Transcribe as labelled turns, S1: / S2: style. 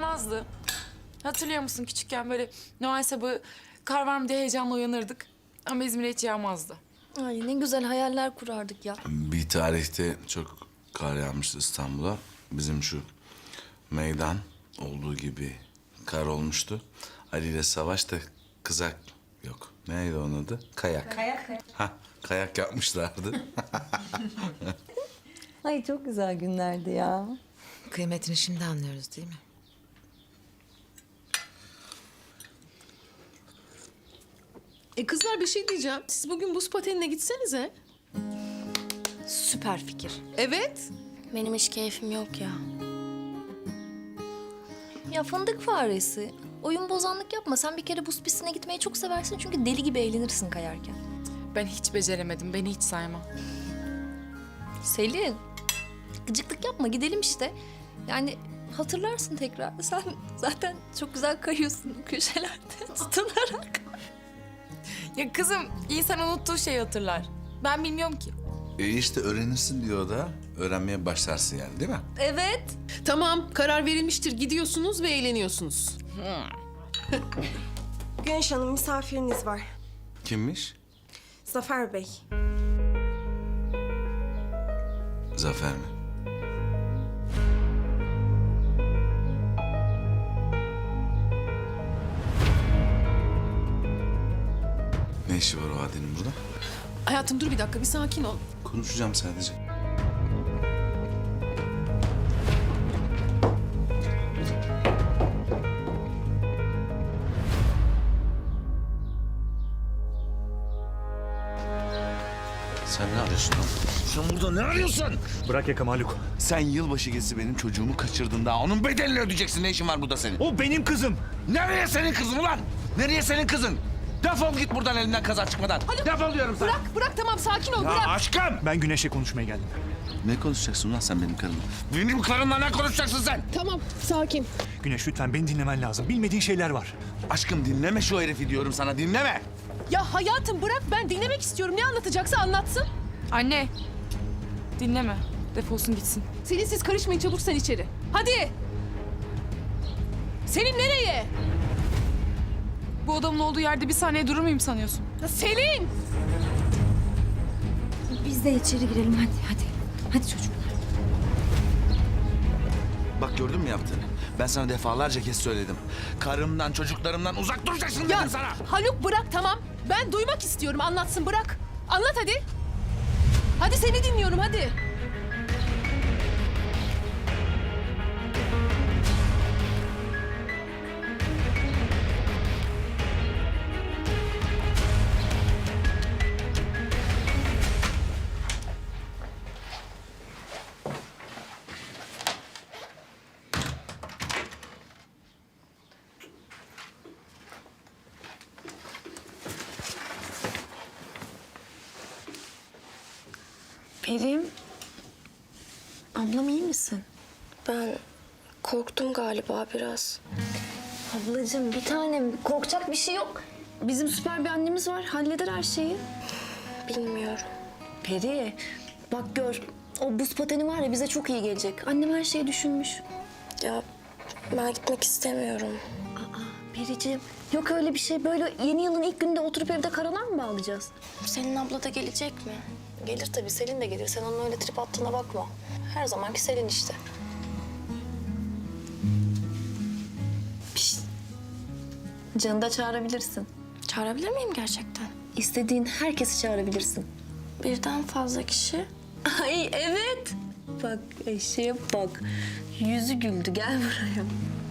S1: Ayaz'dı. Hatırlıyor musun küçükken böyle Noel sabahı kar var mı diye heyecanla uyanırdık. Ama İzmir'e hiç yağmazdı.
S2: Ay ne güzel hayaller kurardık ya.
S3: Bir tarihte çok kar yağmıştı İstanbul'a. Bizim şu meydan olduğu gibi kar olmuştu. Ali ile Savaş da kızak yok. Neydi onun adı? Kayak. Ha, kayak yapmışlardı.
S2: Ay çok güzel günlerdi ya.
S4: Kıymetini şimdi anlıyoruz değil mi?
S5: Kızlar bir şey diyeceğim. Siz bugün buz patenine gitsenize.
S2: Süper fikir.
S5: Evet.
S6: Benim hiç keyfim yok ya.
S2: Ya fındık faresi. Oyun bozanlık yapma. Sen bir kere buz pistine gitmeyi çok seversin çünkü deli gibi eğlenirsin kayarken.
S1: Ben hiç beceremedim. Beni hiç sayma.
S2: Selin, gıcıklık yapma gidelim işte. Yani hatırlarsın tekrar. Sen zaten çok güzel kayıyorsun köşelerde tutunarak.
S1: Ya kızım insan unuttuğu şeyi hatırlar. Ben bilmiyorum ki.
S3: İşte öğrenirsin diyor o da. Öğrenmeye başlarsın yani değil mi?
S2: Evet.
S5: Tamam, karar verilmiştir. Gidiyorsunuz ve eğleniyorsunuz.
S7: Güneş Hanım misafiriniz var.
S3: Kimmiş?
S7: Zafer Bey.
S3: Zafer mi? Ne işi var o Adi'nin burada?
S5: Hayatım dur bir dakika, bir sakin ol.
S3: Konuşacağım sadece. Sen ne arıyorsun lan? Sen burada ne arıyorsun?
S8: Bırak yakamı Haluk.
S3: Sen yılbaşı gezisi benim çocuğumu kaçırdın daha. Onun bedelini ödeyeceksin. Ne işin var burada senin?
S8: O benim kızım.
S3: Nereye senin kızın ulan? Nereye senin kızın? Defol git buradan elinden kaza çıkmadan. Defol diyorum sana.
S5: Bırak tamam sakin ol, bırak.
S3: Aşkım!
S8: Ben Güneş'le konuşmaya geldim.
S3: Ne konuşacaksın lan sen benim karımla? Benim karımla ne konuşacaksın sen?
S5: Tamam, sakin.
S8: Güneş lütfen beni dinlemen lazım. Bilmediğin şeyler var.
S3: Aşkım dinleme şu herifi diyorum sana, dinleme.
S5: Ya hayatım bırak, ben dinlemek istiyorum. Ne anlatacaksa anlatsın.
S1: Anne. Dinleme. Defolsun gitsin.
S5: Selin siz karışmayın, çabuk sen içeri. Hadi. Selin nereye?
S1: Bu adamın olduğu yerde bir saniye durur muyum sanıyorsun?
S5: Ya Selin!
S2: Biz de içeri girelim hadi. Hadi çocuklar.
S3: Bak gördün mü yaptığını? Ben sana defalarca kez söyledim. Karımdan, çocuklarımdan uzak duracaksın
S5: Ya
S3: dedim sana.
S5: Haluk bırak tamam. Ben duymak istiyorum, anlatsın bırak. Anlat hadi. Hadi seni dinliyorum hadi.
S6: Perim. Ablam iyi misin? Ben korktum galiba biraz.
S2: Ablacığım bir tanem korkacak bir şey yok. Bizim süper bir annemiz var halleder her şeyi.
S6: Bilmiyorum.
S2: Peri bak gör o buz pateni var ya bize çok iyi gelecek. Annem her şeyi düşünmüş.
S6: Ya ben gitmek istemiyorum.
S2: Periciğim yok öyle bir şey böyle yeni yılın ilk gününde oturup evde karalar mı bağlayacağız?
S6: Selin abla da gelecek mi?
S2: Gelir tabii Selin de gelir. Sen onun öyle trip attığına bakma. Her zamanki Selin işte. Pişt. Canı da çağırabilirsin.
S6: Çağırabilir miyim gerçekten?
S2: İstediğin herkesi çağırabilirsin.
S6: Birden fazla kişi.
S2: Ay evet. Bak eşeğe bak. Yüzü güldü gel buraya.